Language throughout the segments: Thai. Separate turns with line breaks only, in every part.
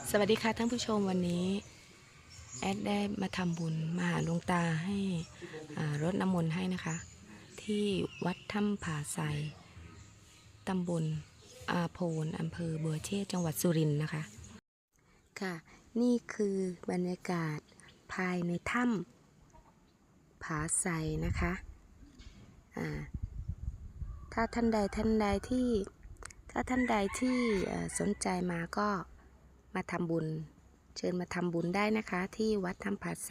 สวัสดีค่ะท่านผู้ชมวันนี้แอดได้มาทำบุญมาหาหลวงตาให้รดน้ำมนต์ให้นะคะ ที่วัดถ้ำผาไซตำบลอาโพนอำเภอบัวเชษจังหวัดสุรินทร์นะคะค่ะนี่คือบรรยากาศภายในถ้ำผาไซนะคะถ้าท่านใดที่สนใจมาก็มาทำบุญเชิญมาทำบุญได้นะคะที่วัดถ้ำผาไซ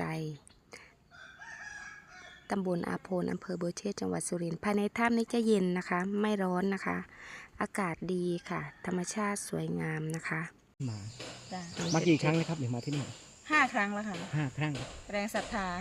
ตำบลอาโพนอำเภอบัวเชษจังหวัดสุรินทร์ภายในถ้ำนี้จะเย็นนะคะไม่ร้อนนะคะอากาศดีค่ะธรรมชาติสวยงามนะคะ
มากี่ครั้งแล้วครับมาที่นี่
5 ครั้งแล้วค่ะ
5 ครั้ง
แรงศรัทธา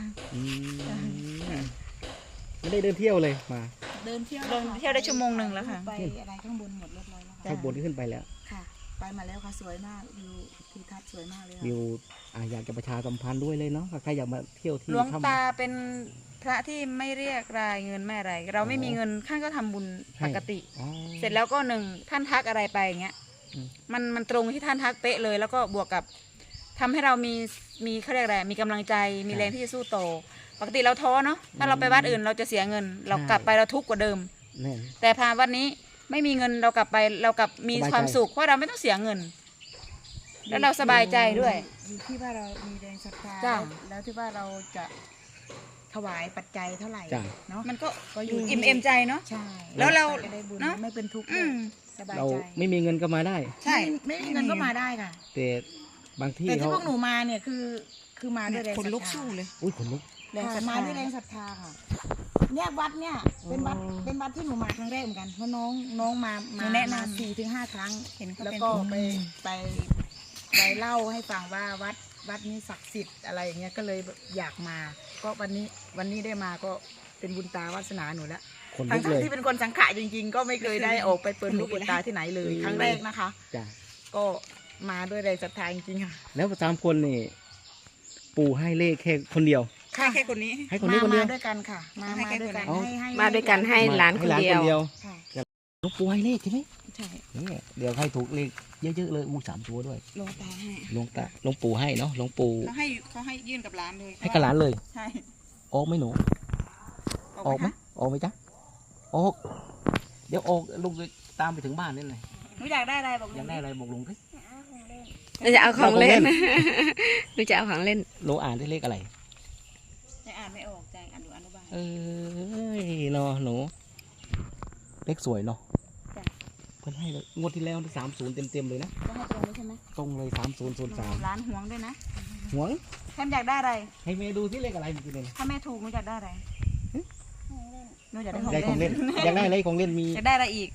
ไม่ได้เดินเที่ยวเลยมา
เดินเที่ยวได้ชั่วโมงหนึ่งแล้วค่ะ
ไปอะไรข้างบนหมดเรียบร้อยแล้วค่ะ
ข้างบนขึ้นไปแล้ว
ค่ะไปมาแล้วค่ะสวยมากวิวทิวทัศน์สวยมากเลย
วิวอยากจะประชาสัมพันธ์ด้วยเลยเนาะใครอยากมาเที่ยวที่
หลวงตาเป็นพระที่ไม่เรียกรายเงินแม่อะไรเราไม่มีเงินท่านก็ทำบุญปกติเสร็จแล้วก็ท่านทักอะไรไปอย่างเงี้ยมันตรงที่ท่านทักเป๊ะเลยแล้วก็บวกกับทำให้เรามีเขาเรียกอะไรมีกำลังใจมีแรงที่จะสู้โตปกติเราท้อเนาะถ้าเราไปวัดอื่นเราจะเสียเงินเรากลับไปเราทุกข์กว่าเดิมแต่พาวัดนี้ไม่มีเงินเรากลับไปเรากลับมีความสุขเพราะเราไม่ต้องเสียเงินแล้วเราสบายใจด้วย
อยู่ที่ว่าเรามีแรงศรัทธาแล้วที่ว่าเราจะถวายปัจจัยเท่าไหร่เนาะ
มันก็อยู่อิ่มเอมใจเนาะ
ใช่
แล้วเรา
ได้บุญไม่เป็นทุกข์สบายใจ
เราไม่มีเงินก็มาได้
ใช่ไม่มีเงินก็มาได้ค่ะ
แต่บางที่
แต่ที่พวกหนูมาเนี่ยคือมาด้วยแรงศรัทธา
ขนลุกสู้เลย
อุ้ยขนลุก
มาด้วยแรงศรัทธาค่ะเนี่ยวัดเนี่ยเป็นวัดที่หนูมาครั้งแรกเหมือนกันเพราะน้องมา
แนะน
ำ4 ถึง 5 ครั้งแล้วก็ไปเล่าให้ฟังว่าวัดนี้ศักดิ์สิทธิ์อะไรอย่างเงี้ยก็เลยอยากมาก็วันนี้ได้มาก็เป็นบุญตาวาสนาหนูแล้วทั้งที่เป็นคนสังขะจริงๆก็ไม่เคยได้ออกไปเปิดหูเปิดตาที่ไหนเลยครั้งแรกนะคะก็มาด้วยแรงศรัทธาจริงๆค่ะ
แล้ว3 คนนี่ปู่ให้เลขแค่คนเดียว
แค่คนนี้
ให้คนนี้คนเดียว
มาด้วยกันค่ะมาด้วยกัน
มาด้วยกันให้หลานคนเดียว
หลวงปู่ให้เลขใช่ไหม
ใช่
เดี๋ยวให้ถูกเลขเยอะๆเลย3 ตัวด้วย
หลวงตาให้
หลวงปู่ให้เนาะหลวงปู่
เขาให้ยื่นกับหลานเลย
ให้กับหลานเลย
ใช่
ออกไหมหนูออกไหมจ๊ะออกเดี๋ยวออกลุงตามไปถึงบ้านนี่เลย
หนูอยากได้อะไรบอกลุง
อยากได้อะไรบอกลุงสิ
เราจะเอาของเล่นเราจะเอาของเล่น
หนูอ่านได้เลขอะไร
ยังอ่านไม่ออกใจอ่านดูอนุบาล
เนาะหนูเลขสวยเนาะเพิ่นให้เลยงวดที่แล้ว30 เต็มเลยนะ
ก็ให้ตรงเลยใช่ไหม
ตรงเลย3003
ร้านห่วงด้วยนะ
ห่วง
แทมอยากได้อะไร
ให้แม่ดูที่เลขอะไรเมื่อกี้เนี่ย
ถ้าแม่ถูกหนูอยากได้อะไรหนูอยากได้
ของเล่นอยากได้อะไรของเล่นมี
อยากได้อะไรอีก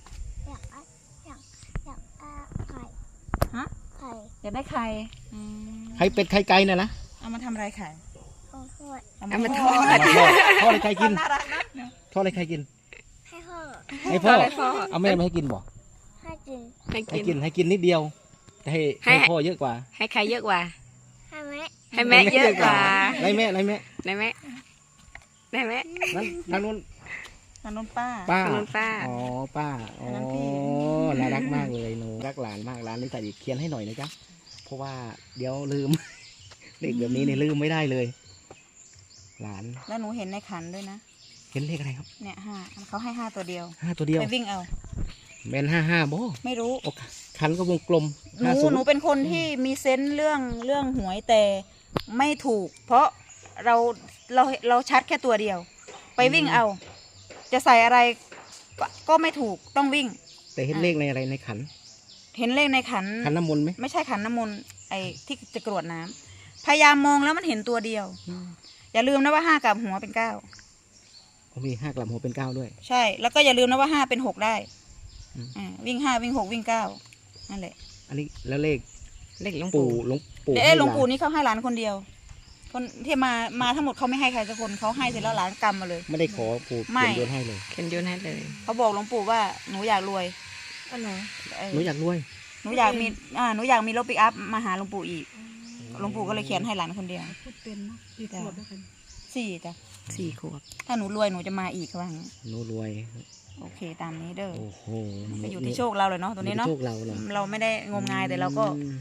อยากได้ไข่
ไข่เป็ดไข่ไก่น่ะนะ
เอามาทำอะไรไข่
เอามาทอด
ทอดอะไรใครกิน
น่ารักนะ
ทอดอะไรใครกิน
ให้พ่อ
เอาแม่มาให้กินบ่ให้กินนิดเดียวแต่ให้พ่อเยอะกว่า
ให้ใครเยอะกว่าให้แม่เยอะกว่า
ไรแม่
นั่น
ทางนู้น
ป้า
อ๋อป้าอ๋อน่ารักมากเลยหนูรักหลานมากหลานนี่ใส่เขียนให้หน่อยนะจ๊ะเพราะว่าเดี๋ยวลืมเลขแบบนี้เนี่ยลืมไม่ได้เลยหลาน
แล้วหนูเห็นในขันด้วยนะ
เห็นเลขอะไรครับ
เนี่ย5เขาให้5 ตัวเดียว
ไป
วิ่งเอา
แมน55บ่
ไม่รู้
ขันก็วงกลม
หนูเป็นคนที่มีเซนส์เรื่องหวยแต่ไม่ถูกเพราะเราชัดแค่ตัวเดียวไปวิ่งเอาจะใส่อะไรก็ไม่ถูกต้องวิ่ง
แต่เห็นเลขในอะไรในขัน
เห็นเลขในขัน
น้ำมนต์ไหม
ไม่ใช่ขันน้ำมนต์ไอ้ที่จะกรวดน้ำพยายามมองแล้วมันเห็นตัวเดียวอย่าลืมนะว่า5 กลับหัวเป็น9
มี5 กลับหัวเป็น9ด้วย
ใช่แล้วก็อย่าลืมนะว่า5 เป็น 6ได้วิ่ง5วิ่ง6วิ่ง9นั่นแหละ
อันนี้แล้วเลข
หลวงปู่
หลวงปู่นี่เขาให้หลานคนเดียวคนที่มาทั้งหมดเขาไม่ให้ใครสักคนเขาให้เสร็จแล้วหลานกำมาเลย
ไม่ได้ขอปู่เขียนโยนให้เลย
เขาบอกหลวงปู่ว่าหนูอยากรวย
หนูอยากรวย
หนูอยากมีรถปิกอัพมาหาหลวงปู่อีกหลวงปู่ก็เลยเขียนให้หลานคนเดียว
พูดเป็นเนาะกี่ขวบแล้วกัน
4 จ้ะ
4 ขวบ
ถ้าหนูรวยหนูจะมาอีกค่ะว่างั้น
หนูรวย
โอเคตามนี้เด้อ
โอ้โห
ไปอยู่ที่โชคเราเลยเนาะตัวนี้เนาะ
โชคเรา
ไม่ได้งมงายแต่เราก็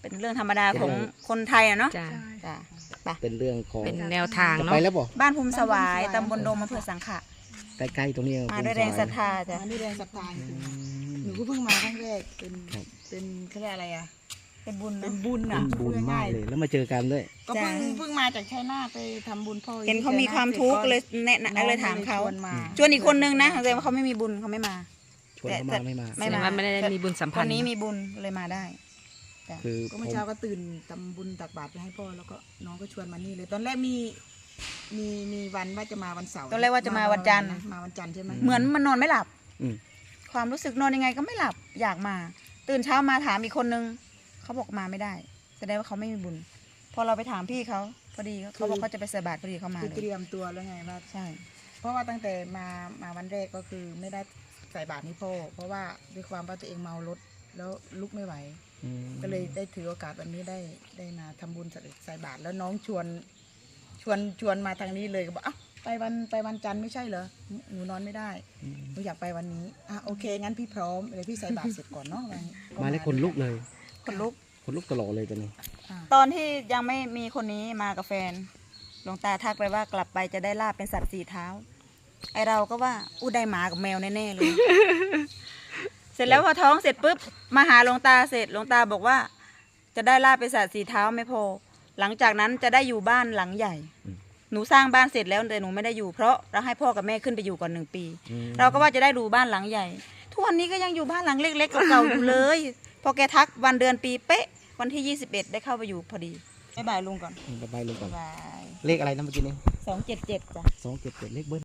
เป็นเรื่องธรรมดาของคนไทยอะเนาะ
จ้ะ
จ้ะไป
เป็นเรื่องของ
เป็นแนวทาง
จะ
เนาะ
ไปแล้วบอก
บ้านภูมิสวายตำบลโดมอำเภอสังขะ
ใกล้ๆตรงนี้
มาด้วยแรงศรัทธาจ้ะ
อันนี้แรงศรัทธาจ
อื
ริง
ม
ๆหนูก็เพิ่งมาครั้งแรกเป็น
ครับ
เป็นเขาเรียกอะไรอ่ะ
เป็นบุญ
เป็
เนาะ
นบุญ
เป็
อ่ะ
นบุญมากเลยแล้วมาเจอกันด้วย
ก็เพิ่งมาจากชัยนาทไปทำบุญพ่อ
เห็นเขามีความทุกข์เลยแนะนำเลยถามเขา
ชวนมา
ชวนอีกคนนึงนะแต่ว่าเขาไม่มีบุญเขาไม่มา
ชวนเขามาไม่มา
ไม่
แสดงว่าไม่ได้มีบุญสัม
ค
พัน
น
ธ์
นี้มีบุญเลยมาได้จ้ะ
คือ
ก็เมื่อเช้าก็ตื่นทำบุญตักบาตรไปให้พ่อแล้วก็น้องก็ชวนมานี่เลย ตอนแรกมีวันว่าจะมาวันเสาร์
ตอนแรกว่าจะมาวันจันทร์
มาวันจันทร์ใช่ไหม
เหมือนมันนอนไม่หลับ
อืม
ความรู้สึกนอนยังไงก็ไม่หลับอยากมา ตื่นเช้ามาถามอีกคนนึงเขาบอกมาไม่ได้แสดงว่าเขาไม่มีบุญพอเราไปถามพี่เขาพอดีเขาบอกเขาจะไปใส่บาตรพอดีเขามา
คือ
เล
เตรี
ย
ยมตัวแล้วไงว่า
ใช่
เพราะว่าตั้งแต่มาวันแรกก็คือไม่ได้ใส่บาตรให้พ่อเพราะว่าด้วยความว่าตัวเองเมารถแล้วลุกไม่ไหว
อืม
ก็เลยได้ถือโอกาสวันนี้ได้มาทำบุญใส่บาตรแล้วน้องชวนมาทางนี้เลยก็บอกอ้าวไปวันจันทร์ไม่ใช่เหรอหนูนอนไม่ได้หนูอยากไปวันนี้อ่ะโอเคงั้นพี่พร้อมเดี๋ยวพี่ใส่บาตรเสร็จก่อนเนาะก็
มาแล้วคนลุกเลย
คนลุก
คนลุกตลอดเลยตอนนี้
อ่ะ
ตอนที่ยังไม่มีคนนี้มากับแฟนหลวงตาทักไปว่ากลับไปจะได้ลาบเป็นสัตว์สี่เท้า ไอเราก็ว่าอู้ได้หมากับแมวแน่ๆเลย เสร็จแล้วพอท้องเสร็จปุ๊บมาหาหลวงตาเสร็จหลวงตาบอกว่า จะได้ลาบเป็นสัตว์สี่เท้าไม่พอ หลังจากนั้นจะได้อยู่บ้านหลังใหญ่ หนูสร้างบ้านเสร็จแล้วแต่หนูไม่ได้อยู่เพราะเราให้พ่อกับแม่ขึ้นไปอยู่ก่อน1 ปี เราก็ว่าจะได้ดูบ้านหลังใหญ่ ทุกวันนี้ก็ยังอยู่บ้านหลังเล็กๆเก่าๆอยู่เลย พอแกทักวันเดือนปีเป๊ะ วันที่ 21 ได้เข้าไปอยู่พอดีบ๊ายบายลุงก่อน
ไปลุงก่อน
บ๊ายบาย
เลขอะไรนะเมื่อกี้นี้
277จ้ะ
277เลขเบิ้ล